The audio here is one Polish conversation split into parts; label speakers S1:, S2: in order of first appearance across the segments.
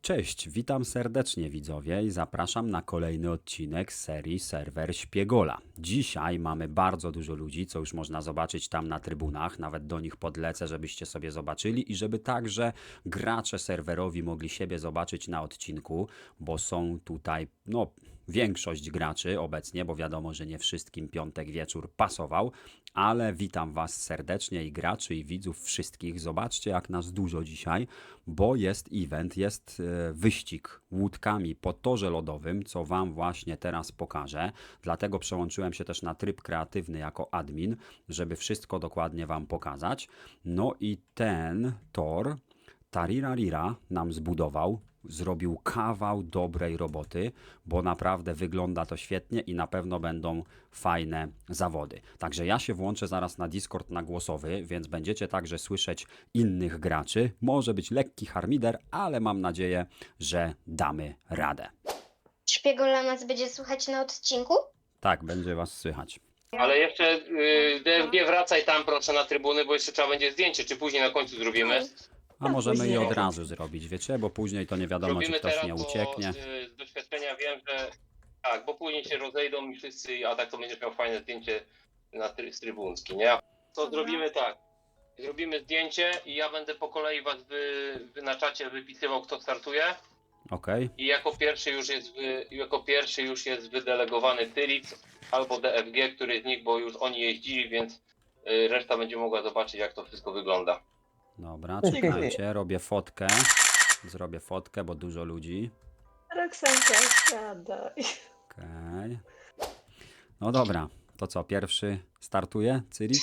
S1: Cześć, witam serdecznie widzowie i zapraszam na kolejny odcinek z serii Serwer Śpiegola. Dzisiaj mamy bardzo dużo ludzi, co już można zobaczyć tam na trybunach, nawet do nich podlecę, żebyście sobie zobaczyli i żeby także gracze serwerowi mogli siebie zobaczyć na odcinku, bo są tutaj, większość graczy obecnie, bo wiadomo, że nie wszystkim piątek wieczór pasował, ale witam Was serdecznie i graczy i widzów wszystkich. Zobaczcie jak nas dużo dzisiaj, bo jest event, jest wyścig łódkami po torze lodowym, co Wam właśnie teraz pokażę. Dlatego przełączyłem się też na tryb kreatywny jako admin, żeby wszystko dokładnie Wam pokazać. No i ten tor Tarirarira nam zbudował, zrobił kawał dobrej roboty, bo naprawdę wygląda to świetnie i na pewno będą fajne zawody. Także ja się włączę zaraz na Discord na głosowy, więc będziecie także słyszeć innych graczy. Może być lekki harmider, ale mam nadzieję, że damy radę.
S2: Szpiegola nas będzie słuchać na odcinku?
S1: Tak, będzie Was słychać.
S3: Ale jeszcze DFG wracaj tam proszę na trybuny, bo jeszcze trzeba będzie zdjęcie, czy później na końcu zrobimy.
S1: A możemy
S2: później.
S1: i od razu zrobić, wiecie, bo później to nie wiadomo, czy
S3: Zrobimy
S1: ktoś
S3: teraz,
S1: nie
S3: bo
S1: ucieknie.
S3: z doświadczenia wiem, że tak, bo później się rozejdą i wszyscy, a tak to będziesz miał fajne zdjęcie z trybunski, nie? To zrobimy tak. Zrobimy zdjęcie i ja będę po kolei was na czacie wypisywał, kto startuje.
S1: Okej.
S3: I jako pierwszy już jest wydelegowany Tyric albo DFG, który z nich, bo już oni jeździli, więc reszta będzie mogła zobaczyć, jak to wszystko wygląda.
S1: Dobra, czekajcie, robię fotkę. Zrobię fotkę, bo dużo ludzi.
S4: Roxanka, siadaj.
S1: Okej. No dobra, to co, pierwszy startuje? Cyric?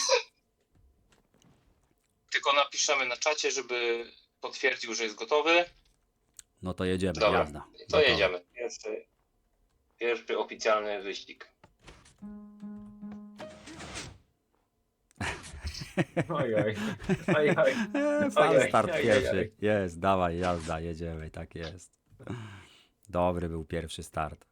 S3: Tylko napiszemy na czacie, żeby potwierdził, że jest gotowy.
S1: No to jedziemy,
S3: Dobra,
S1: jazda.
S3: to
S1: Gotowe.
S3: jedziemy. Pierwszy oficjalny wyścig.
S5: Oj, oj. Oj, oj.
S1: Sam
S5: Ojej,
S1: start
S5: ojej,
S1: pierwszy.
S5: ojej.
S1: Jest, dawaj, jazda, jedziemy, tak jest. Dobry był pierwszy start.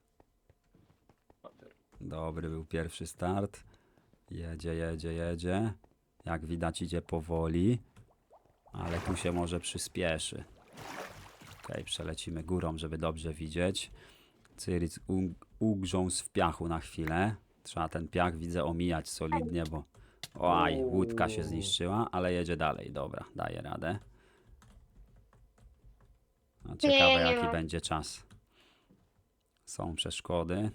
S1: Dobry był pierwszy start. Jedzie, jedzie, jedzie. Jak widać idzie powoli. Ale tu się może przyspieszy. Okej, przelecimy górą, żeby dobrze widzieć. Cyric ugrzązł w piachu na chwilę. Trzeba ten piach, widzę, omijać solidnie, bo... Oj, łódka się zniszczyła, ale jedzie dalej. Dobra, daje radę. No, ciekawe,
S2: nie
S1: jaki
S2: ma.
S1: będzie czas. Są przeszkody.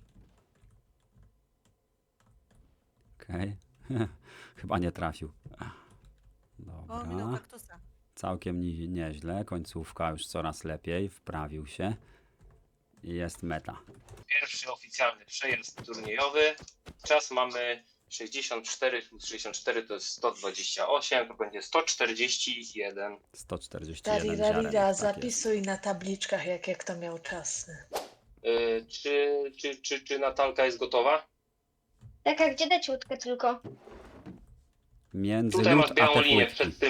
S1: Okej. Chyba nie trafił.
S6: O, minął
S1: Dobra.
S6: kaktusa.
S1: Całkiem nieźle. Końcówka już coraz lepiej. Wprawił się. I jest meta.
S3: Pierwszy oficjalny przejazd turniejowy. Czas mamy 64 plus 64 to jest 128, to będzie 141.
S1: 141 ziaren.
S4: Tarirarira,
S1: Tak jest.
S4: zapisuj na tabliczkach, jakie kto miał czasy.
S3: Czy Natalka jest gotowa?
S2: Tak, a gdzie dać łódkę tylko?
S1: Między
S3: Tutaj
S1: lód
S3: masz
S1: a
S3: białą
S1: te
S3: linię
S1: płytki.
S3: przed tym.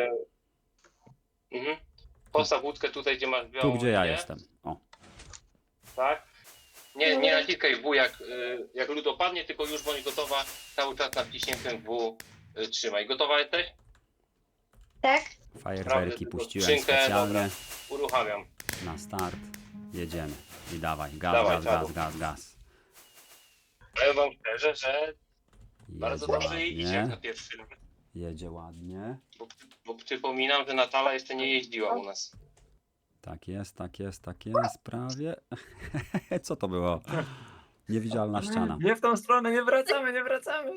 S3: Postaw łódkę tutaj, gdzie masz białą
S1: Tu, gdzie ja
S3: linię.
S1: jestem. O,
S3: Tak? Nie naciskaj w W jak lód opadnie, tylko już bądź gotowa, cały czas na wciśniętym W trzymaj. Gotowa jesteś?
S2: Tak?
S1: fajerwerki
S3: tylko
S1: puściłem
S3: skrzynkę,
S1: specjalnie.
S3: dobra. Uruchamiam.
S1: Na start. Jedziemy. I dawaj. Gaz,
S3: Dawaj,
S1: gaz,
S3: czadu.
S1: gaz, gaz, gaz.
S3: Powiem wam szczerze, że bardzo
S1: Jedzie
S3: dobrze idzie jak na
S1: ładnie.
S3: pierwszy raz.
S1: Jedzie ładnie.
S3: Bo przypominam, że Natala jeszcze nie jeździła u nas.
S1: Tak jest, tak jest, tak jest. Prawie. Co to było? Niewidzialna ściana.
S5: Nie w tą stronę, nie wracamy, nie wracamy.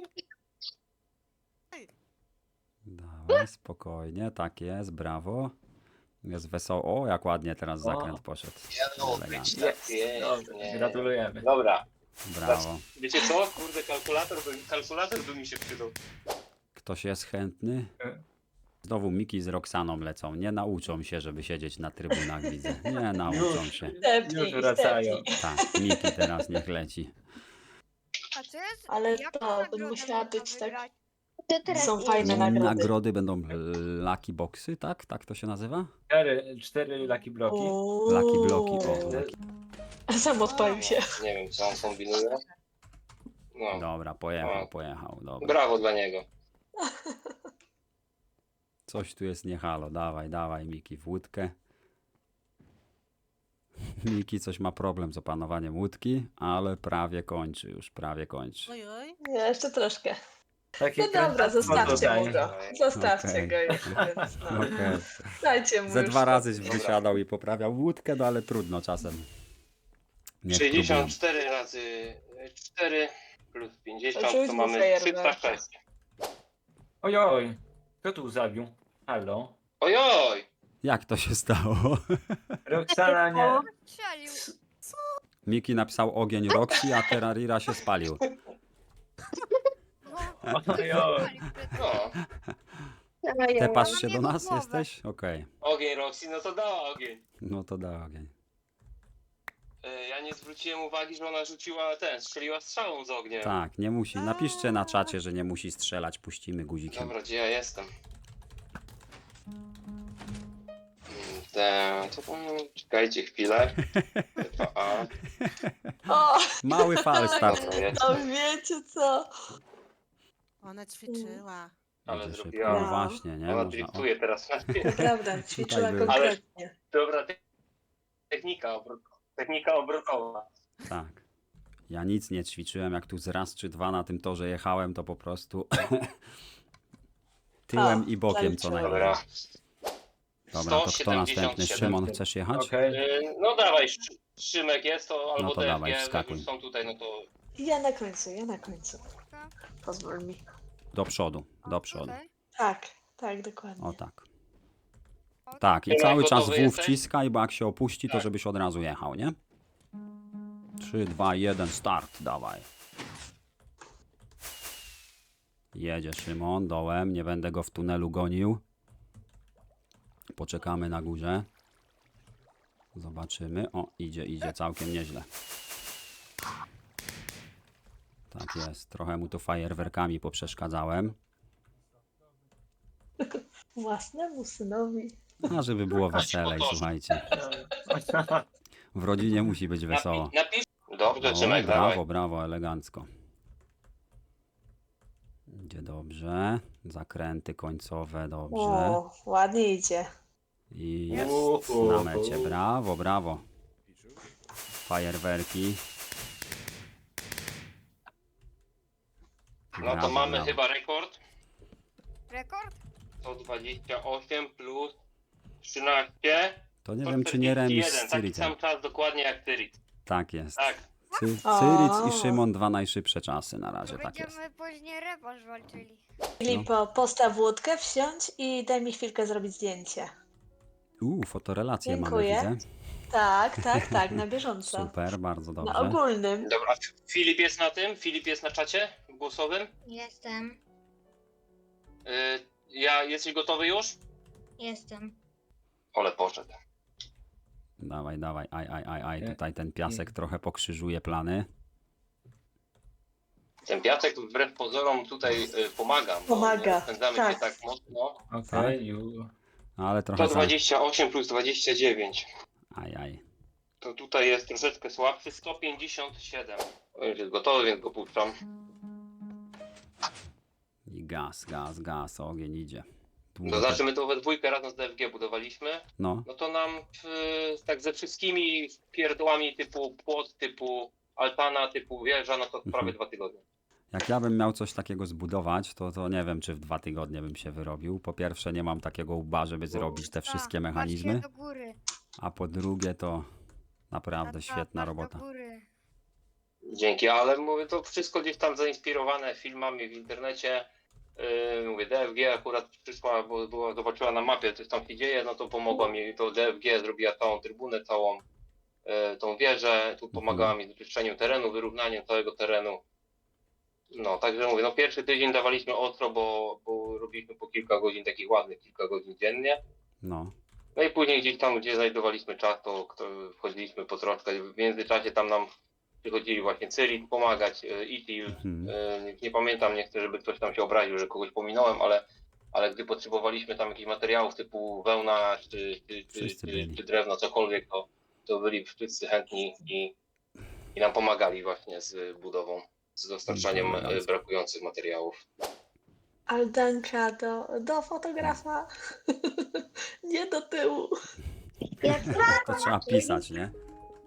S1: Dawaj, spokojnie. Tak jest, brawo. Jest wesoło. O, jak ładnie teraz zakręt poszedł. Elegancko.
S3: Tak jest,
S5: Dobrze,
S3: nie.
S5: gratulujemy.
S3: Dobra.
S1: Brawo.
S3: Wiecie co? Kurde, kalkulator by mi się przydał.
S1: Ktoś jest chętny? Znowu Miki z Roxaną lecą. Nie nauczą się, żeby siedzieć na trybunach, widzę. Nie nauczą się.
S4: Stepnij,
S5: Już wracają.
S4: stepnij.
S1: Tak, Miki teraz niech leci.
S6: A co jest?
S4: Ale
S6: jaką
S4: to
S6: nagrodę
S4: musiała
S6: można
S4: być tak-
S6: wygrać?
S2: To teraz
S4: Są
S2: jedzie.
S4: fajne nagrody.
S1: Nagrody będą lucky boxy, tak? Tak to się nazywa?
S5: Cztery lucky bloki.
S1: Lucky bloki. O, lucky.
S4: Sam odpalił się.
S3: Nie wiem, co on kombinuje. No,
S1: Dobra, pojechał. Dobra.
S3: brawo dla niego.
S1: Coś tu jest nie halo. Dawaj, Miki, w łódkę. Miki coś ma problem z opanowaniem łódki, ale prawie kończy już, prawie kończy.
S6: Oj, oj.
S4: Nie, jeszcze troszkę.
S5: Takie
S4: No dobra,
S5: krętactwo
S4: zostawcie
S5: tutaj.
S4: mu go. Zostawcie
S1: Okej.
S4: go już, więc no.
S1: Okej.
S4: Dajcie mu
S1: Ze
S4: już
S1: 2 razy
S4: spokój.
S1: wysiadał i poprawiał łódkę, no ale trudno czasem. Niech próbują.
S3: 64 razy 4 plus 50
S4: Rzuć
S3: to
S4: mu
S3: mamy
S4: fajerwerka.
S3: 306.
S5: Ojoj, kto tu zabił? Halo?
S3: Ojoj!
S1: Jak to się stało?
S5: Roxana nie...
S6: Strzelił.
S1: Miki napisał ogień Roxy, a Terrarira się spalił.
S6: No,
S5: Ojoj.
S6: strzelił przed tym.
S3: No,
S1: Tepasz
S6: Ona
S1: się
S6: mnie
S1: do nas?
S6: głowę.
S1: Jesteś? Okej.
S3: ogień Roxy, no to dała ogień.
S1: No to da ogień.
S3: Ja nie zwróciłem uwagi, że ona rzuciła strzeliła strzałą z ogniem.
S1: Tak, nie musi. Napiszcie na czacie, że nie musi strzelać, puścimy guzikiem.
S3: Dobra, gdzie ja jestem? To czekajcie chwilę. 2A.
S4: O,
S1: Mały fal start.
S3: Dobra, jest.
S4: no wiecie co?
S6: Ona ćwiczyła.
S3: Ale
S1: Będzie szybko.
S3: zrobiła.
S1: No właśnie, nie?
S3: Ona
S1: Można,
S3: driftuje teraz.
S4: Naprawdę, ćwiczyła
S1: był.
S4: konkretnie.
S3: Dobra, technika obrotowa.
S1: tak. Ja nic nie ćwiczyłem, jak tu z raz czy dwa na tym torze jechałem, to po prostu tyłem
S4: O,
S1: i bokiem co
S4: zaliczyłem.
S1: najmniej.
S3: Dobra.
S1: Dobra, to kto następny?
S3: 177.
S1: Szymon, chcesz jechać?
S5: Okej.
S3: No dawaj, Szymek jest to, albo
S1: No to
S3: DFG,
S1: dawaj,
S3: jak
S1: wskakuj.
S3: już są tutaj, no to
S4: Ja na końcu, ja na końcu. Pozwól mi.
S1: Do przodu, do przodu.
S6: Tutaj.
S4: Tak, tak, dokładnie.
S1: O tak. Tak, i
S3: Szymek,
S1: cały czas
S3: gotowy
S1: W
S3: jesteś?
S1: wciskaj, bo jak się opuści, to
S3: Tak.
S1: żebyś od razu jechał, nie? 3, 2, 1, start, dawaj. Jedzie Szymon dołem, nie będę go w tunelu gonił. Poczekamy na górze. Zobaczymy. O, idzie całkiem nieźle. Tak jest, trochę mu to fajerwerkami poprzeszkadzałem.
S4: Własnemu synowi.
S1: A żeby było weselej,
S3: motorze.
S1: słuchajcie. W rodzinie musi być wesoło.
S3: napisz. Dobrze,
S1: O,
S3: Szymek,
S1: brawo,
S3: dawaj.
S1: brawo, elegancko. Idzie dobrze. Zakręty końcowe dobrze.
S4: O, ładnie idzie.
S1: I jest
S5: Uhu.
S1: na mecie. Brawo, brawo. Fajerwerki.
S3: No to
S1: Brawo,
S3: mamy
S1: brawo.
S3: chyba rekord.
S6: Rekord?
S3: 128 plus 13.
S1: To nie wiem, czy nie remis z
S3: 141, taki
S1: Cyricem.
S3: sam czas dokładnie jak Cyric.
S1: Tak jest.
S3: Tak.
S1: Cyric i Szymon dwa najszybsze czasy na
S6: To
S1: razie, tak jest.
S6: będziemy później rewanż walczyli.
S4: Filipo, postaw łódkę, wsiądź i daj mi chwilkę zrobić zdjęcie.
S1: Fotorelacje
S4: Dziękuję.
S1: mamy, widzę.
S4: Tak, tak, tak, na bieżąco.
S1: Super, bardzo
S4: Na
S1: dobrze.
S4: ogólnym.
S3: Dobra, a Filip jest na tym? Filip jest na czacie głosowym?
S2: Jestem,
S3: Jesteś gotowy już?
S2: jestem.
S3: Ole poszedł.
S1: Dawaj, dawaj, aj,
S5: Nie.
S1: tutaj ten piasek trochę pokrzyżuje plany.
S3: Ten piasek wbrew pozorom tutaj pomaga. bo
S4: Pomaga,
S3: nie Spędzamy
S4: tak.
S3: się tak mocno.
S5: Okej, ju.
S1: Ale trochę za...
S3: 128 plus 29.
S1: Aj.
S3: To tutaj jest troszeczkę słabszy. 157. On już jest gotowy, więc go puszczam.
S1: I gaz, ogień idzie.
S3: To znaczy my to we dwójkę razem z DFG budowaliśmy.
S1: No,
S3: No to nam tak ze wszystkimi pierdołami typu płot, typu altana, typu wieża, no to prawie 2 tygodnie.
S1: jak ja bym miał coś takiego zbudować, to nie wiem, czy w 2 tygodnie bym się wyrobił. Po pierwsze, nie mam takiego łba, żeby zrobić te wszystkie mechanizmy,
S6: Patrzcie do góry.
S1: a po drugie, to naprawdę
S6: Tata,
S1: świetna
S6: patrz
S1: robota.
S6: Do góry.
S3: Dzięki, ale mówię, to wszystko gdzieś tam zainspirowane filmami w internecie. Mówię, DFG akurat przyszła, bo zobaczyła na mapie, coś tam się dzieje, no to pomogła mi, to DFG zrobiła całą trybunę, całą tą wieżę, tu pomagała mi z wyczyszczeniem terenu, wyrównaniem całego terenu. No, także mówię, no pierwszy tydzień dawaliśmy ostro, bo robiliśmy po kilka godzin, takich ładnych kilka godzin dziennie.
S1: No,
S3: No i później gdzieś tam, gdzie znajdowaliśmy czas, to wchodziliśmy po troszkę. W międzyczasie tam nam przychodzili właśnie Cyric pomagać, Itil.
S1: Mhm.
S3: Nie pamiętam, nie chcę, żeby ktoś tam się obraził, że kogoś pominąłem, ale gdy potrzebowaliśmy tam jakichś materiałów typu wełna
S1: Wszyscy byli.
S3: czy drewno, cokolwiek, to byli wszyscy chętni i nam pomagali właśnie z budową, z dostarczaniem
S1: Elegancko.
S3: brakujących materiałów.
S4: Aldanka do fotografa. Nie do tyłu.
S2: Jak
S1: To trzeba pisać, nie?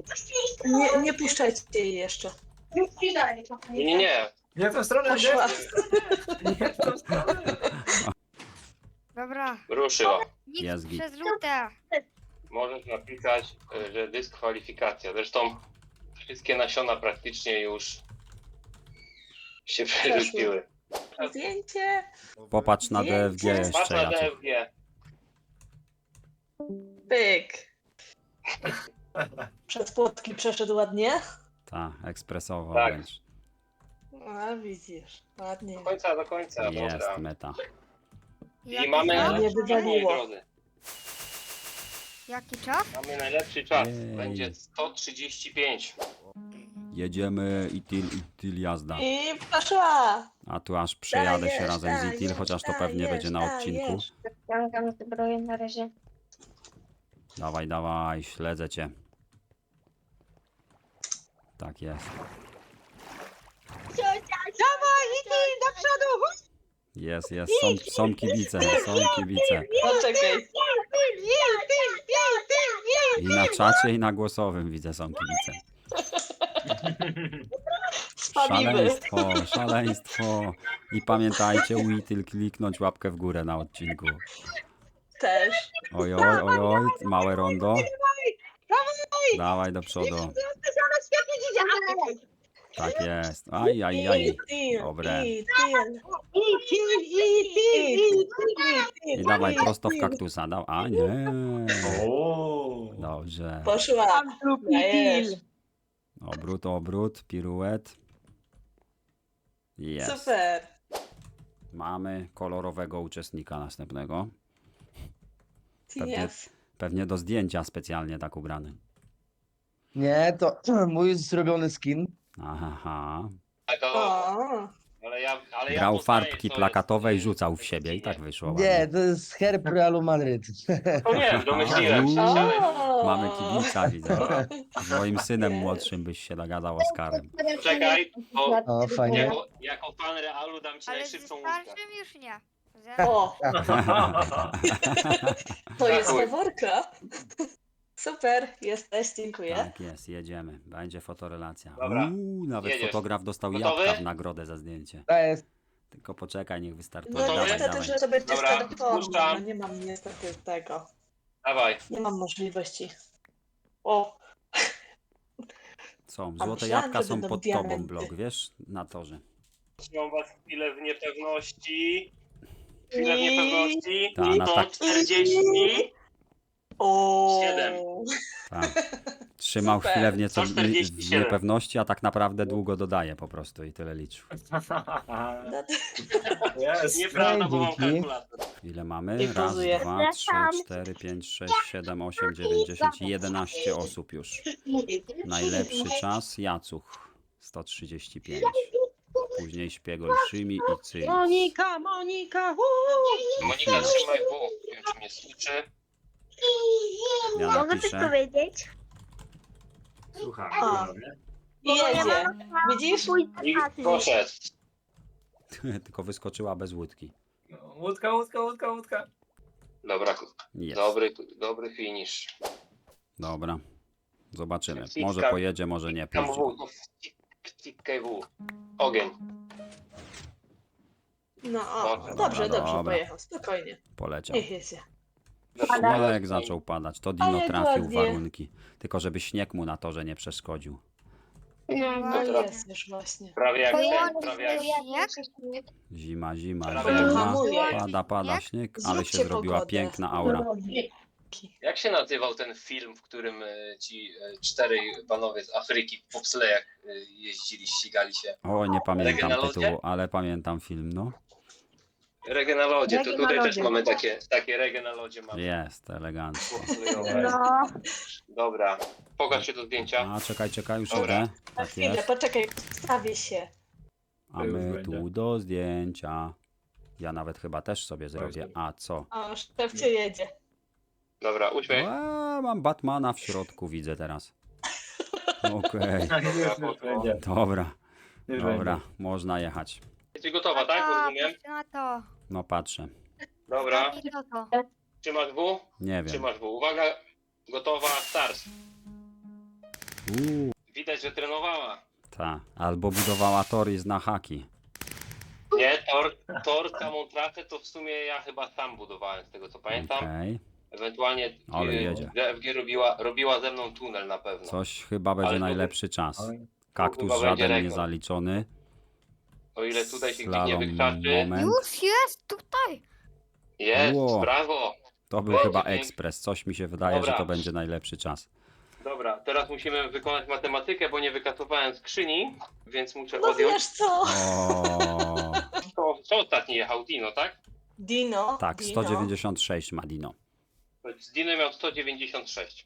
S4: Nie puszczajcie jej jeszcze.
S3: Nie.
S5: Nie w tą stronę,
S4: Poszła.
S5: nie w tą stronę.
S6: Dobra.
S3: Ruszyła.
S6: Nic
S1: Jest git.
S6: przez żółte.
S3: Możesz napisać, że dyskwalifikacja. Zresztą wszystkie nasiona praktycznie już się przerzuciły.
S4: Zdjęcie.
S1: Popatrz na
S4: Zdjęcie.
S1: DFG jeszcze,
S3: Patrz na
S1: Jacek.
S3: DFG.
S4: Pyk. Przez płotki przeszedł ładnie.
S1: Tak, ekspresowo
S3: Tak.
S1: wręcz.
S4: A widzisz, ładnie.
S3: Do końca,
S1: Jest
S3: dobra.
S1: meta.
S6: Jaki
S3: I mamy
S6: czas?
S4: Nie
S3: najlepszy czas, moi
S4: wywaliło.
S3: drodzy.
S6: Jaki czas?
S3: Mamy najlepszy czas.
S1: Jej.
S3: Będzie 135.
S1: Jedziemy Itil jazda.
S4: I poszła.
S1: A tu aż przejadę się
S4: Dajesz,
S1: razem z Itil,
S4: dajesz,
S1: chociaż to pewnie
S4: dajesz,
S1: będzie na odcinku.
S4: dajesz.
S2: Ściągam zbroję na razie.
S1: Dawaj, dawaj, śledzę cię. Tak jest. Jest, są kibice, są kibice.
S4: Poczekaj.
S1: I na czacie, i na głosowym widzę, są kibice.
S4: Spamimy.
S1: Szaleństwo, szaleństwo. I pamiętajcie, Itil kliknąć łapkę w górę na odcinku.
S4: Też.
S1: Ojoj, ojoj, małe rondo. Dawaj do przodu. Tak jest. Aj, aj, aj.
S4: Itil,
S1: Dobre.
S4: Itil.
S1: I dawaj prosto w kaktusa. A nie.
S5: O.
S1: Dobrze.
S4: Poszła. Dajesz.
S1: Obrót, piruet. Jest.
S4: Super.
S1: Mamy kolorowego uczestnika następnego.
S4: TF.
S1: Pewnie do zdjęcia specjalnie tak ubrany.
S7: Nie, to mój zrobiony skin.
S1: Aha.
S3: Tak,
S4: O.
S3: ale ja
S1: Grał
S3: poznaję,
S1: farbki
S3: co
S1: plakatowe i
S3: jest,
S1: rzucał w siebie i tak wyszło.
S7: Nie,
S1: ładnie.
S7: to jest herb Realu Madryt.
S3: To nie wiem, domyśliłem się.
S1: Uuu.
S3: Ale...
S4: O.
S1: Mamy kibica, widzę. Z moim synem młodszym byś się dogadał Oskarem.
S3: Czekaj, bo
S7: O, fajnie.
S3: jako fan Realu dam ci
S6: Ale z
S3: najszybszą łódkę.
S6: starszym już nie.
S4: O, to jest
S3: Dziękuję.
S4: faworka. Super, jesteś, dziękuję.
S1: Tak jest, jedziemy. Będzie fotorelacja.
S3: Dobra,
S1: Nawet
S3: jedziesz.
S1: fotograf dostał
S3: Gotowy?
S1: jabłka w nagrodę za zdjęcie.
S7: To jest.
S1: Tylko poczekaj, niech wystartuje.
S4: No
S3: Gotowy?
S4: niestety,
S1: dawaj.
S4: że to będzie z
S3: Dobra,
S4: telefonu.
S3: puszczam.
S4: No nie mam niestety tego.
S3: Dawaj.
S4: Nie mam możliwości. O,
S1: Są,
S4: A
S1: złote
S4: myślałam,
S1: jabłka
S4: że
S1: są
S4: będą
S1: pod tobą,
S4: diamenty.
S1: blok, wiesz? Na torze.
S3: Trzymam was chwilę w niepewności. Chwilę w niepewności.
S1: Ta, na tak.
S3: 140.
S4: o.
S3: 7.
S1: Tak. Trzymał
S4: Super.
S1: chwilę w nieco w
S3: 147.
S1: niepewności, a tak naprawdę długo dodaje po prostu i tyle liczył.
S5: Jest.
S3: Nieprawda, bo mam
S7: Dzięki.
S3: kalkulator.
S1: Ile mamy?
S4: I
S1: Raz,
S4: pozuję.
S1: 2, 3, 4, 5, 6, 7, 8, 9, 10, 11 osób już. Najlepszy czas Jacuch 135. Później Szpiegol, Szymi i Cyl.
S8: Monika!
S3: Monika, trzymaj W. Nie wiem, czy mnie słyszy.
S1: Ja napiszę.
S2: powiedzieć?
S5: Słucham.
S4: O.
S5: panowie.
S4: I jedzie. Widzisz?
S3: I poszedł.
S1: Tylko wyskoczyła bez łódki.
S5: Łódka, łódka, łódka, łódka.
S3: Dobra,
S1: Jest.
S3: dobry finish.
S1: Dobra. Zobaczymy.
S3: Wciskam.
S1: Może pojedzie, może nie.
S3: Tam
S1: Puści.
S3: W, to wciskaj W. Ogień.
S4: No
S3: Dobra,
S4: o, dobrze,
S1: dobra,
S4: dobrze,
S1: dobra.
S4: pojechał. Spokojnie.
S1: Poleciał.
S4: Niech jedzie.
S1: No jak zaczął padać, to Dino
S4: Ale
S1: trafił w
S4: ładnie.
S1: warunki. Tylko żeby śnieg mu na torze nie przeszkodził.
S4: No
S3: Dobra.
S4: jest już właśnie.
S3: Prawie jak ten, prawie jak...
S6: Śnieg?
S1: Zima,
S3: Prawie jak
S1: zima.
S4: hamuje.
S1: Pada śnieg, ale się
S4: Zróbcie
S1: zrobiła
S4: pogodę.
S1: piękna aura.
S3: Jak się nazywał ten film, w którym ci 4 panowie z Afryki w bobslejach jeździli, ścigali się?
S1: O, nie pamiętam
S3: Reggae na lodzie?
S1: tytułu, ale pamiętam film, no.
S3: Reggae na lodzie, to
S2: Reggae na
S3: tutaj też
S2: lodzie.
S3: mamy takie reggae na lodzie. Mamy.
S1: Jest, elegancko.
S3: Bobslejowe.
S2: No.
S3: Dobra, pokaż się do zdjęcia.
S1: A, czekaj, już
S3: Dobra.
S1: idę.
S4: Na
S1: Tak
S4: chwilę,
S1: jest.
S4: poczekaj, wstawię się.
S1: A
S5: Już
S1: my
S5: będzie.
S1: tu do zdjęcia. Ja nawet chyba też sobie zrobię. A co?
S4: O, szefcie jedzie.
S3: Dobra, uśmiech.
S1: Mam Batmana w środku, widzę teraz. Okej,
S5: Już będzie.
S1: dobra,
S5: Już
S1: dobra,
S5: będzie.
S1: można jechać.
S3: Jesteś gotowa, tak? Rozumiem?
S6: patrz na to.
S1: No patrzę.
S3: Dobra,
S6: I to to.
S3: trzymasz W?
S1: Nie wiem.
S3: Trzymasz W. Uwaga, gotowa, start. Widać, że trenowała.
S1: Ta. Albo budowała tory na haki.
S3: Nie, tor samą trasę to w sumie ja chyba sam budowałem, z tego co pamiętam.
S1: Okej.
S3: Ewentualnie
S1: Ale jedzie.
S3: DFG robiła ze mną tunel na pewno.
S1: Coś chyba będzie
S3: Ale to-
S1: najlepszy czas.
S5: Oj.
S1: Kaktus
S3: chyba będzie
S1: żaden nie
S3: rekord.
S1: zaliczony.
S3: O ile tutaj się gdzieś nie
S1: Slalom
S3: wykrzaczy.
S1: moment.
S6: Już jest tutaj.
S3: Jest,
S1: Ło.
S3: brawo.
S1: To był
S3: Będzie
S1: chyba
S3: pięknie.
S1: ekspres. Coś mi się wydaje,
S3: Dobra.
S1: że to będzie najlepszy czas.
S3: Dobra, teraz musimy wykonać matematykę, bo nie wykasowałem skrzyni, więc muszę
S4: No
S3: odjąć.
S4: wiesz co?
S1: O,
S3: Kto ostatni jechał? Dino, tak?
S4: Dino.
S1: tak,
S4: Dino.
S1: 196 ma Dino.
S3: Z Dino miał 196.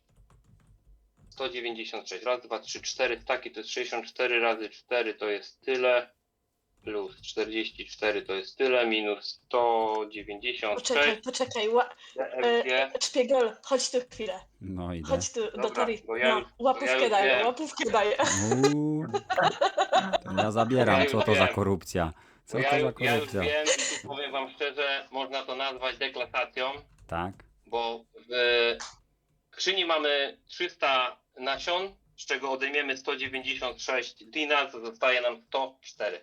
S3: 196. Raz, dwa, trzy, cztery staki to jest 64 razy 4 to jest tyle. Plus 44 to jest tyle. Minus 196.
S4: Poczekaj.
S3: DFG.
S4: Szpiegol, chodź tu chwilę.
S1: No idę.
S4: Chodź tu do
S3: Dobra,
S4: Tori.
S3: bo ja
S4: No,
S3: już-
S4: łapówkę
S3: ja już
S4: daję,
S3: wiem.
S4: łapówkę daję.
S1: Uuu. To ja zabieram, co to za korupcja. Co
S3: Ja
S1: to za
S3: już
S1: korupcja?
S3: wiem i tu powiem wam szczerze, można to nazwać deklasacją,
S1: Tak?
S3: bo w skrzyni mamy 300 nasion, z czego odejmiemy 196 dina, to zostaje nam 104.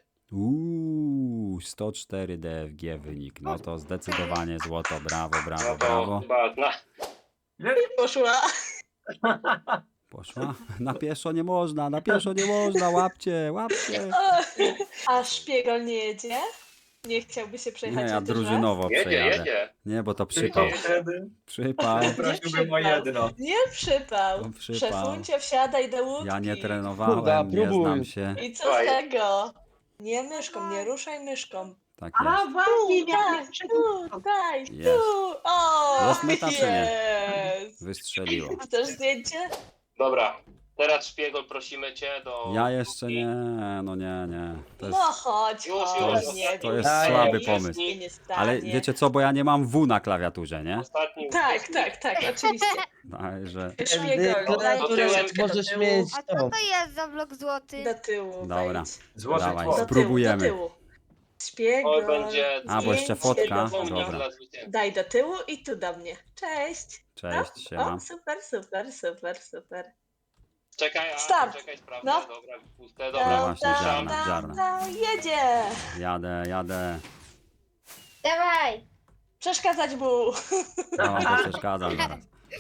S1: 104 DFG wynik. No to zdecydowanie złoto. Brawo, brawo,
S3: No to
S1: brawo.
S3: chyba
S4: Poszła.
S1: Poszła? Na pieszo nie można, na pieszo nie można. Łapcie, łapcie.
S4: A szpiegol nie jedzie? Nie chciałby się przejechać
S1: Nie, ja
S4: chociaż raz?
S1: drużynowo
S3: jedzie,
S1: przejadę.
S3: jedzie.
S1: Nie, bo to
S5: Tylko
S1: przypał.
S5: wtedy
S1: Przypał.
S5: prosiłbym o jedno.
S4: Nie przypał.
S1: No, przypał.
S4: Szefuncio, wsiadaj do łódki.
S1: Ja nie
S7: Kurda,
S1: trenowałem, nie
S7: próbuj.
S1: znam się.
S4: I co
S3: Dawaj.
S4: z tego? Nie myszką, nie ruszaj myszką.
S1: Tak
S8: A
S1: jest.
S8: właśnie,
S4: Daj, daj,
S1: Jest.
S4: tu. O,
S1: Jest meta, czy nie?
S4: jest.
S1: Wystrzeliło.
S4: Chcesz zdjęcie?
S3: Dobra, teraz szpiegol prosimy cię do...
S1: Ja jeszcze nie, no nie. To
S4: No
S1: jest,
S4: chodź,
S3: Już,
S4: chodź,
S3: już.
S4: nie
S1: to
S4: wiem.
S1: jest
S7: Daj,
S1: słaby
S7: nic
S1: pomysł.
S4: Się nie stanie.
S1: Ale wiecie co, bo ja nie mam W na klawiaturze, nie?
S3: Ostatni
S4: Tak, oczywiście.
S1: Także,
S4: Szpiegol, daj
S3: to
S7: Klawiaturę
S3: tyłem-
S4: troszeczkę do
S7: możesz
S4: tyłu.
S7: mieć
S6: A co
S7: tą.
S6: to jest za blok złoty?
S4: Do tyłu.
S1: Dobra.
S4: wejdź.
S5: Złoty
S1: Dawaj,
S5: tło.
S4: Do
S1: spróbujemy.
S4: tyłu, do tyłu. Szpiegol.
S3: Oj, będzie...
S1: A, bo jeszcze
S4: zdjęcie
S1: fotka.
S4: do mnie.
S3: Pomnik
S1: Dobra.
S3: dla zwycięzcy.
S4: Daj do tyłu i tu do mnie. Cześć.
S1: cześć, siema.
S4: O, super.
S3: Czekaj,
S4: Start.
S3: czekaj, sprawdzę.
S4: No.
S3: Dobra, puste,
S1: No
S3: dobra.
S1: właśnie, ziarna, ziarna.
S4: Jedzie.
S1: Jadę.
S2: Dawaj!
S4: Przeszkadzać mu.
S1: Ja wam to przeszkadzam zaraz.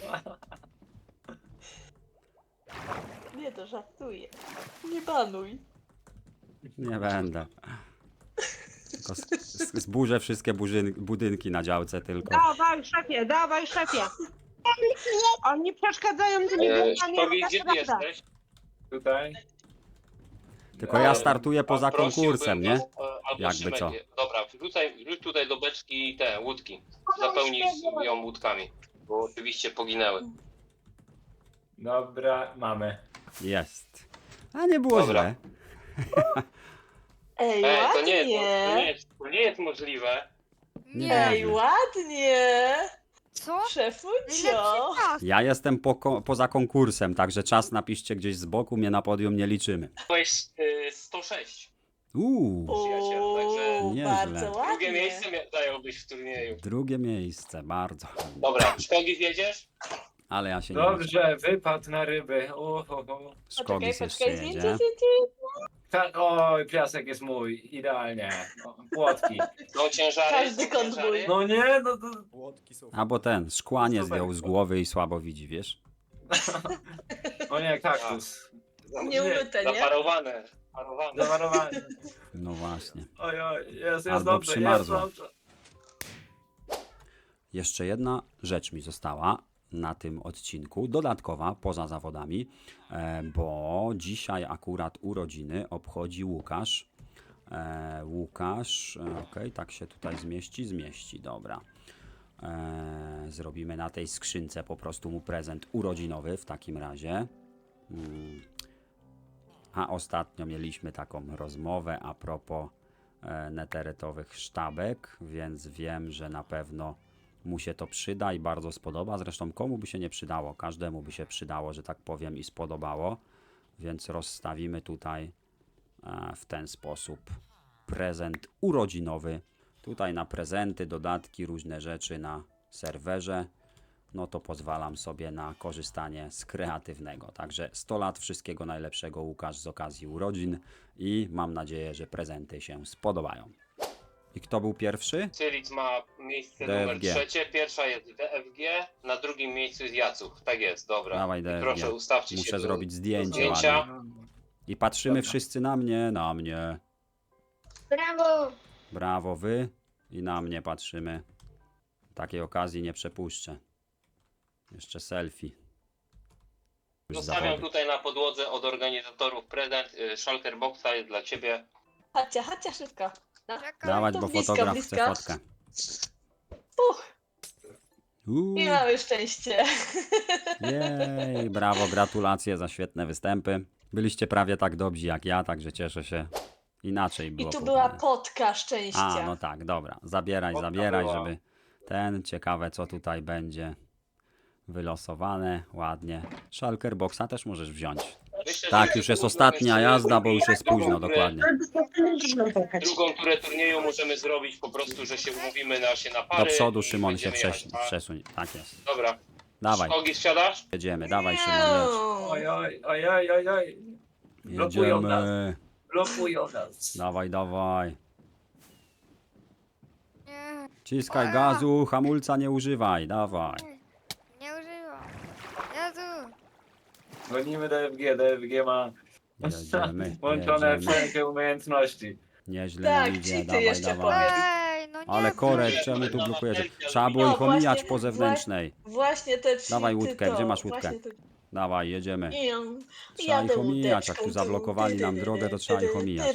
S4: Nie, to żartuję. Nie banuj.
S1: Nie będę. Tylko zburzę wszystkie budynki na działce tylko.
S8: Dawaj szefie. Oni przeszkadzają tymi bułkami,
S3: Szkowi,
S8: ale
S3: gdzie ty
S8: prawda.
S3: jesteś?
S5: Tutaj.
S1: Tylko ja startuję poza
S3: Prosiłbym
S1: konkursem, nie?
S3: was, albo
S1: Jakby
S3: Szymek,
S1: co.
S3: Dobra, wrzuć tutaj do beczki te łódki. Zapełnij ją łódkami, bo oczywiście poginęły.
S5: Dobra, mamy.
S1: Jest. A nie było
S3: Dobra.
S1: źle.
S4: Ej,
S3: To nie
S4: ładnie.
S3: jest możliwe.
S1: Nie.
S4: Ej, ładnie.
S6: Co?
S4: Szefuncio.
S6: Najlepszy czas.
S1: Ja jestem poza konkursem, także czas napiszcie gdzieś z boku, mnie na podium nie liczymy.
S3: Byłeś 106.
S1: Uuu,
S4: Uuu,
S1: Nieźle.
S4: bardzo
S3: Drugie
S4: ładnie.
S3: miejsce zająłbyś w turnieju.
S1: drugie miejsce, bardzo.
S3: Dobra, Szkogi zjedziesz?
S1: Ale ja się nie liczę.
S5: Dobrze, wypadł na ryby. Uhuhu.
S1: Szkogis jeszcze
S4: Poczekaj, zdjęcie,
S1: jedzie.
S4: zdjęcie.
S5: Oj, piasek jest mój, idealnie. O, płotki.
S3: No ciężary.
S4: Każdy kąt
S3: ciężary.
S4: mój.
S5: No nie, no to...
S1: Albo ten, szkła nie zdjął z głowy i słabo widzi, wiesz?
S5: O nie, kaktus.
S4: Nie umyte, nie?
S3: Zaparowane.
S5: Zawarowany.
S1: No właśnie.
S5: Oj, jest
S1: Albo
S5: dobrze, jest
S1: przymarzło.
S5: dobrze.
S1: Jeszcze jedna rzecz mi została na tym odcinku, dodatkowa, poza zawodami, bo dzisiaj akurat urodziny obchodzi Łukasz. Okej, tak się tutaj zmieści, dobra. Zrobimy na tej skrzynce po prostu mu prezent urodzinowy w takim razie. A ostatnio mieliśmy taką rozmowę a propos neterytowych sztabek, więc wiem, że na pewno mu się to przyda i bardzo spodoba. Zresztą komu by się nie przydało? Każdemu by się przydało, że tak powiem, i spodobało. Więc rozstawimy tutaj w ten sposób prezent urodzinowy. Tutaj na prezenty, dodatki, różne rzeczy na serwerze. no to pozwalam sobie na korzystanie z kreatywnego. Także 100 lat, wszystkiego najlepszego, Łukasz, z okazji urodzin i mam nadzieję, że prezenty się spodobają. I kto był pierwszy?
S3: Cyric ma miejsce
S1: DFG.
S3: numer 3, pierwsza jest DFG, na drugim miejscu jest Jacuch. Tak jest, dobra.
S1: Dawaj,
S3: I
S1: DFG.
S3: proszę, ustawcie się
S1: Muszę
S3: do
S1: zrobić zdjęcie
S3: zdjęcia.
S1: ładnie. I patrzymy
S5: Dobra.
S1: wszyscy na mnie, na mnie.
S2: Brawo!
S1: Brawo wy i na mnie patrzymy. Takiej okazji nie przepuszczę. Jeszcze selfie. Już
S3: Zostawiam
S1: zawody.
S3: tutaj na podłodze od organizatorów prezent. Shulker Boxa jest dla ciebie.
S4: Chodźcie szybko.
S6: Czekaj.
S1: Dawać,
S4: to
S1: bo
S4: blisko,
S1: fotograf
S4: blisko.
S1: chce fotkę.
S4: I mamy szczęście.
S1: Jej, brawo, gratulacje za świetne występy. Byliście prawie tak dobrzy jak ja, także cieszę się. Inaczej
S4: I
S1: było.
S4: tu była
S1: powinno.
S4: potka szczęścia.
S1: A, no tak, dobra. Zabieraj,
S5: Fotka
S1: zabieraj,
S5: była.
S1: żeby ciekawe co tutaj będzie wylosowane, ładnie. Shulker Boxa też możesz wziąć.
S3: Myślę,
S1: Tak,
S3: że
S1: już jest
S3: drugą
S1: ostatnia
S3: jeszcze-
S1: jazda, bo już jest późno, dokładnie.
S3: Drugą turę turnieju możemy zrobić po prostu, że się umówimy na pary.
S1: Do przodu,
S3: i
S1: Szymon, się
S3: będziemy jechać.
S1: przesuń. Tak jest.
S3: Dobra.
S1: Dawaj,
S3: Ogi, wsiadasz?
S1: jedziemy, dawaj Szymon, jedź.
S5: Oj, oj, oj, oj, oj, oj. Blokują nas.
S1: Jedziemy.
S5: Blokują nas.
S1: Dawaj, dawaj.
S6: Nie,
S1: Ciskaj gazu, hamulca nie używaj, dawaj.
S6: nie używam. Jezu.
S5: Gonimy DFG ma
S1: Jedziemy,
S5: włączone
S1: jedziemy.
S5: wszelkie umiejętności.
S1: Nieźle
S4: Tak,
S1: nam idzie,
S4: cheaty
S1: dawaj,
S4: jeszcze
S1: dawaj.
S6: Ej, no nie.
S1: Ale korek,
S3: Dobrze,
S1: czemu tu
S3: na
S1: blokujecie?
S3: selfie,
S1: Trzeba było
S4: No
S1: ich omijać
S4: właśnie,
S1: po zewnętrznej.
S4: Właśnie te
S1: Dawaj
S4: cheaty
S1: łódkę,
S4: to,
S1: gdzie masz łódkę?
S4: właśnie to-
S1: Dawaj, jedziemy. Trzeba
S4: Jadę
S1: ich omijać, jak tu
S4: łódeczką,
S1: zablokowali nam drogę, to trzeba ich omijać.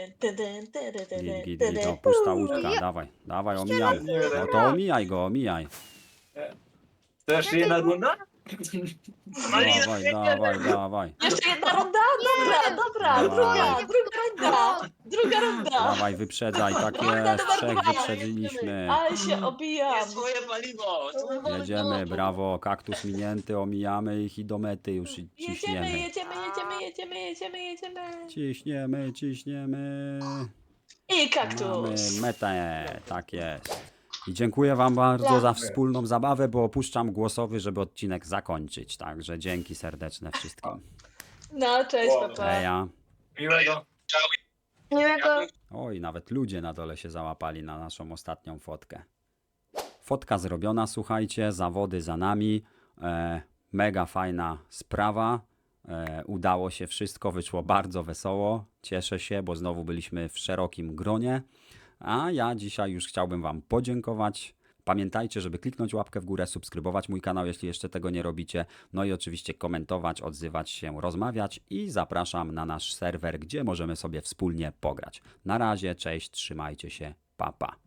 S1: Git, to pusta łódka, dawaj, dawaj, omijamy. No to omijaj go, omijaj.
S5: Też jedna runda?
S1: Dawaj, dawaj, dawaj.
S4: Jeszcze jedna runda? Dobra,
S1: Dawaj.
S4: druga runda.
S1: Dawaj, wyprzedzaj, tak jest, trzech wyprzedziliśmy.
S4: Ale się obijam.
S5: paliwo!
S1: Jedziemy, brawo, kaktus minięty, omijamy ich i do mety już ciśniemy.
S4: Jedziemy.
S1: Ciśniemy.
S4: I kaktus.
S1: Mamy metę, tak jest. I dziękuję wam bardzo za wspólną zabawę, bo opuszczam głosowy, żeby odcinek zakończyć. Także dzięki serdeczne wszystkim.
S4: No, cześć, papa.
S1: Eja.
S5: Miłego.
S2: Miłego.
S1: Oj, nawet ludzie na dole się załapali na naszą ostatnią fotkę. Fotka zrobiona, słuchajcie, zawody za nami. Mega fajna sprawa. Udało się wszystko, wyszło bardzo wesoło. Cieszę się, bo znowu byliśmy w szerokim gronie. A ja dzisiaj już chciałbym wam podziękować. Pamiętajcie, żeby kliknąć łapkę w górę, subskrybować mój kanał, jeśli jeszcze tego nie robicie. No i oczywiście komentować, odzywać się, rozmawiać i zapraszam na nasz serwer, gdzie możemy sobie wspólnie pograć. Na razie, cześć, trzymajcie się, pa pa.